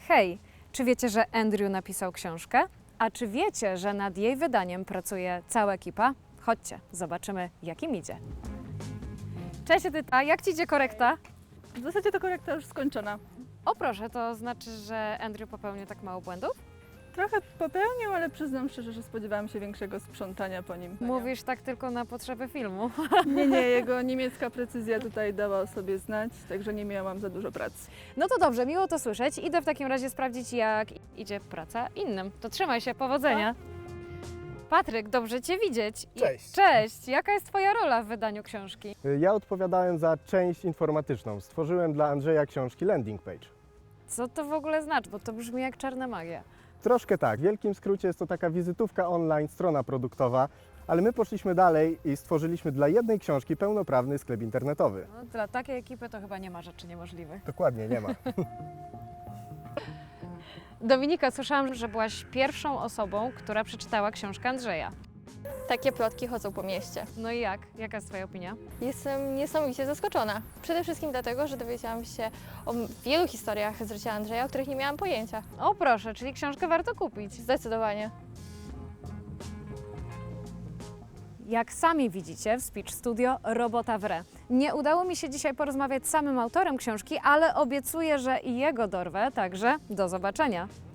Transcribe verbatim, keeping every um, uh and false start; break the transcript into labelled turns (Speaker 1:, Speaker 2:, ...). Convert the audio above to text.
Speaker 1: Hej, czy wiecie, że Andrew napisał książkę? A czy wiecie, że nad jej wydaniem pracuje cała ekipa? Chodźcie, zobaczymy, jak im idzie. Cześć Edyta, jak Ci idzie korekta?
Speaker 2: W zasadzie to korekta już skończona.
Speaker 1: O proszę, to znaczy, że Andrew popełnił tak mało błędów?
Speaker 2: Trochę popełnił, ale przyznam szczerze, że spodziewałam się większego sprzątania po nim.
Speaker 1: Mówisz tak tylko na potrzeby filmu.
Speaker 2: Nie, nie, jego niemiecka precyzja tutaj dała o sobie znać, także nie miałam za dużo pracy.
Speaker 1: No to dobrze, miło to słyszeć. Idę w takim razie sprawdzić, jak idzie praca innym. To trzymaj się, powodzenia. Patryk, dobrze Cię widzieć. I-
Speaker 3: Cześć.
Speaker 1: Cześć, jaka jest Twoja rola w wydaniu książki?
Speaker 3: Ja odpowiadałem za część informatyczną. Stworzyłem dla Andrzeja książki landing page.
Speaker 1: Co to w ogóle znaczy? Bo to brzmi jak czarna magia.
Speaker 3: Troszkę tak, w wielkim skrócie jest to taka wizytówka online, strona produktowa, ale my poszliśmy dalej i stworzyliśmy dla jednej książki pełnoprawny sklep internetowy.
Speaker 1: No, dla takiej ekipy to chyba nie ma rzeczy niemożliwych.
Speaker 3: Dokładnie, nie ma.
Speaker 1: Dominika, słyszałam, że byłaś pierwszą osobą, która przeczytała książkę Andrzeja.
Speaker 4: Takie plotki chodzą po mieście.
Speaker 1: No i jak? Jaka jest Twoja opinia?
Speaker 4: Jestem niesamowicie zaskoczona. Przede wszystkim dlatego, że dowiedziałam się o wielu historiach z życia Andrzeja, o których nie miałam pojęcia.
Speaker 1: O proszę, czyli książkę warto kupić.
Speaker 4: Zdecydowanie.
Speaker 1: Jak sami widzicie, w Speech Studio robota w re. Nie udało mi się dzisiaj porozmawiać z samym autorem książki, ale obiecuję, że i jego dorwę, także do zobaczenia.